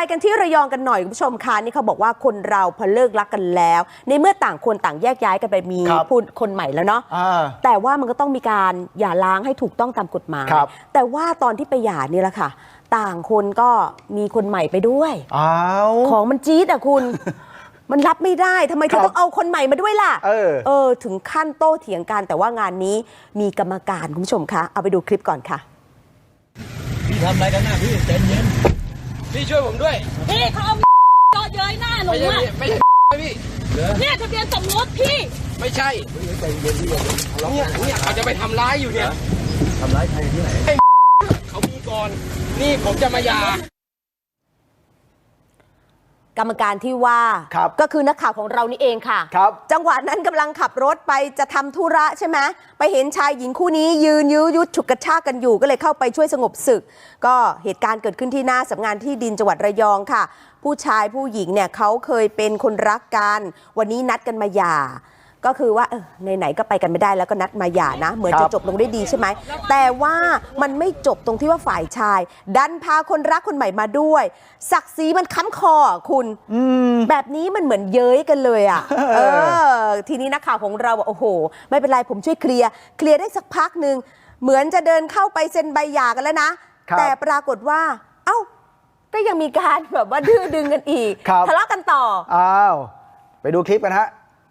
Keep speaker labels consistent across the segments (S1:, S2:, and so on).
S1: กันที่ระยองกันหน่อยคุณผู้ชมคะนี่เขาบอกว่าคนเราพอเลิกรักกันแล้วในเมื่อต่างคนต่างแยกย้ายกันไปมีคนใหม่แล้วเนาะแต่ว่ามันก็ต้องมีการหย่าร้างให้ถูกต้องตามกฎหมายแต่ว่าตอนที่ไปหย่านี่แหละค่ะต่างคนก็มีคนใหม่ไปด้วยของมันจี๊ดอ่ะคุณ มันรับไม่ได้ทำไมเธอต้องเอาคนใหม่มาด้วยล่ะถึงขั้นโต้เถียงกันแต่ว่างานนี้มีกรรมการคุณผู้ชมคะเอาไปดูคลิปก่อนค่ะ
S2: พี่ทำอะไรกันหน้าพี่เต็มเย็นพี่ช่วยผมด้วย
S3: พี่เขาเอาจอดเย้ยหน้าหนูอ่ะ
S2: ไม่ใช่พี่
S3: เนี่ยทะเบียนสมรสพี่
S2: ไม่ใช่เนี่ยเขาจะไปทำร้ายอยู่เนี่ยทำร้ายใครที่ไหนเขามีก่อนนี่ผมจะมาหย่
S1: ากรรมการที่ว่าก็คือนักข่าวของเรานี่เองค่ะจังหวะนั้นกำลังขับรถไปจะทำธุระใช่ไหมไปเห็นชายหญิงคู่นี้ยืนยื้อยุดฉุดกระชากกันอยู่ก็เลยเข้าไปช่วยสงบศึกก็เหตุการณ์เกิดขึ้นที่หน้าสำนักงานที่ดินจังหวัดระยองค่ะผู้ชายผู้หญิงเนี่ยเขาเคยเป็นคนรักกันวันนี้นัดกันมาหย่าก็คือว่าไหนๆก็ไปกันไม่ได้แล้วก็นัดมาหย่านะเหมือนจะจบลงได้ดีใช่ไหมแต่ว่ามันไม่จบตรงที่ว่าฝ่ายชายดันพาคนรักคนใหม่มาด้วยศักดิ์ศรีมันค้ำคอคุณแบบนี้มันเหมือนเย้ยกันเลยอ่ะทีนี้นักข่าวของเราบอกโอ้โหไม่เป็นไรผมช่วยเคลียร์ได้สักพักหนึ่งเหมือนจะเดินเข้าไปเซ็นใบหย่ากันแล้วนะแต่ปรากฏว่าก็ยังมีการแบบว่าดื้อดึงกันอีกทะเลาะกันต่อ
S4: ไปดูคลิปกันฮะ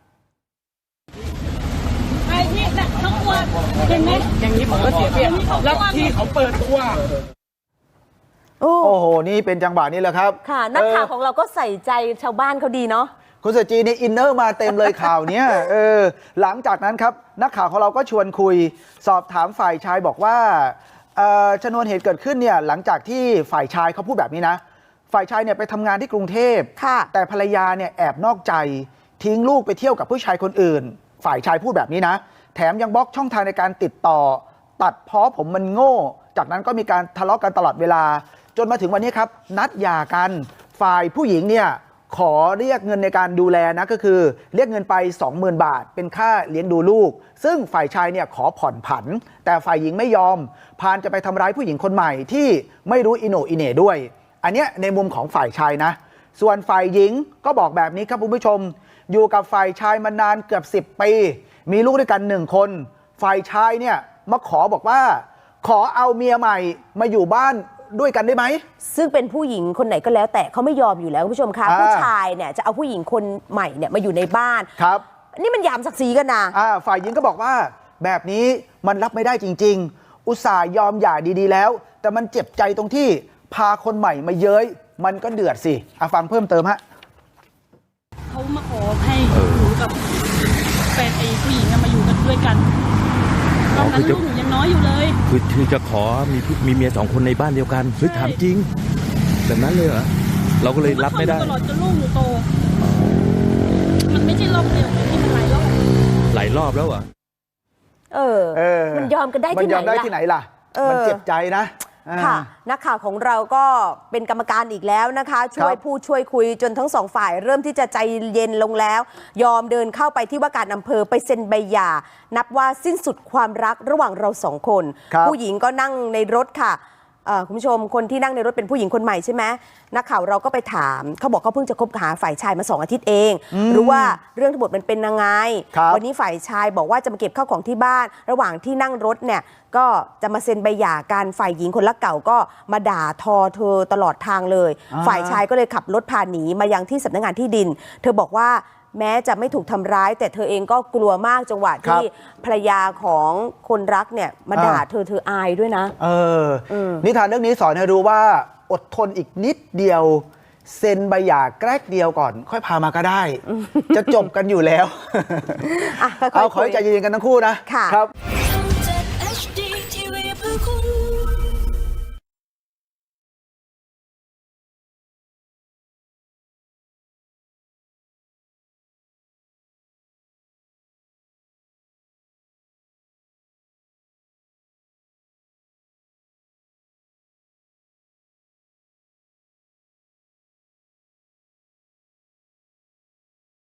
S3: นี่แหละทั้งตัวเห็นไหม
S2: อย่างนี้ผมก็เสียเปรียบแล้วที่เขาเปิดตัว
S4: โอ้โหนี่เป็นจังหวะนี้แหละครับ
S1: ค่ะนักข่าวของเราก็ใส่ใจชาวบ้านเขาดีเนาะ
S4: คุณเสจีนี่อินเนอร์มาเต็มเลยข่าวเนี้ยหลังจากนั้นครับนักข่าวของเราก็ชวนคุยสอบถามฝ่ายชายบอกว่าชนวนเหตุเกิดขึ้นเนี่ยหลังจากที่ฝ่ายชายเขาพูดแบบนี้นะฝ่ายชายเนี่ยไปทำงานที่กรุงเทพแต่ภรรยาเนี่ยแอบนอกใจทิ้งลูกไปเที่ยวกับผู้ชายคนอื่นฝ่ายชายพูดแบบนี้นะแถมยังบล็อกช่องทางในการติดต่อตัดพ้อผมมันโง่จากนั้นก็มีการทะเลาะกันตลอดเวลาจนมาถึงวันนี้ครับนัดหย่ากันฝ่ายผู้หญิงเนี่ยขอเรียกเงินในการดูแลนะก็คือเรียกเงินไป 20,000 บาทเป็นค่าเลี้ยงดูลูกซึ่งฝ่ายชายเนี่ยขอผ่อนผันแต่ฝ่ายหญิงไม่ยอมพานจะไปทำร้ายผู้หญิงคนใหม่ที่ไม่รู้อิโหนอิเหน่ด้วยอันเนี้ยในมุมของฝ่ายชายนะส่วนฝ่ายหญิงก็บอกแบบนี้ครับคุณผู้ชมอยู่กับฝ่ายชายมานานเกือบ10 ปีมีลูกด้วยกัน1 คนฝ่ายชายเนี่ยมาขอบอกว่าขอเอาเมียใหม่มาอยู่บ้านด้วยกันได้ไหม
S1: ซึ่งเป็นผู้หญิงคนไหนก็แล้วแต่เขาไม่ยอมอยู่แล้วคุณผู้ชมคะผู้ชายเนี่ยจะเอาผู้หญิงคนใหม่เนี่ยมาอยู่ในบ้าน
S4: ครับ
S1: นี่มันหยามศักดิ์ศรีกันนะ
S4: ฝ่ายหญิงก็บอกว่าแบบนี้มันรับไม่ได้จริงๆอุตส่าห์ยอมหย่าดีๆแล้วแต่มันเจ็บใจตรงที่พาคนใหม่มาเย้ยมันก็เดือดสิฟังเพิ่มเติมฮะ
S3: เขามาขอให้หนูกับแฟนไอ้ผู้หญิงมาอยู่กันด้วยกันตอนนั้นลูกหนูยังน้อยอยู่เลย
S5: คือจะขอมีเมีย2 คนในบ้านเดียวกันคือถามจริงแบบนั้นเลยเหรอเราก็เลยรับไม่ได้
S3: ตลอดจนลูกหนูโตมันไม่ใช่รอบเดียวที่มันหลายร
S5: อบแล้วอ่ะ
S1: มันยอมกันได้
S4: ที่ไหนล่ะมันเจ็บใจนะ
S1: ค่ะนักข่าวของเราก็เป็นกรรมการอีกแล้วนะคะช่วยพูดช่วยคุยจนทั้งสองฝ่ายเริ่มที่จะใจเย็นลงแล้วยอมเดินเข้าไปที่ว่าการอำเภอไปเซ็นใบหย่านับว่าสิ้นสุดความรักระหว่างเรา2 คนผู้หญิงก็นั่งในรถค่ะคุณผู้ชมคนที่นั่งในรถเป็นผู้หญิงคนใหม่ใช่ไหมนักข่าวเราก็ไปถามเขาบอกเขาเพิ่งจะคบหาฝ่ายชายมา2 อาทิตย์เองรู้ว่าเรื่องทั้งหมดมันเป็นยังไงวันนี้ฝ่ายชายบอกว่าจะมาเก็บข้าวของที่บ้านระหว่างที่นั่งรถเนี่ยก็จะมาเซ็นใบหย่ากันฝ่ายหญิงคนรักเก่าก็มาด่าทอเธอตลอดทางเลยฝ่ายชายก็เลยขับรถพาหนีมายังที่สำนักงานที่ดินเธอบอกว่าแม้จะไม่ถูกทำร้ายแต่เธอเองก็กลัวมากจังหวะที่ภรรยาของคนรักเนี่ยมาด่าเธออายด้วยนะ
S4: นิทานเรื่องนี้สอนให้รู้ว่าอดทนอีกนิดเดียวเซ็นใบหย่าแกรกเดียวก่อนค่อยพามาก็ได้จะจบกันอยู่แล้วเอาขอให้ใจเย็นกันทั้งคู่นะครับ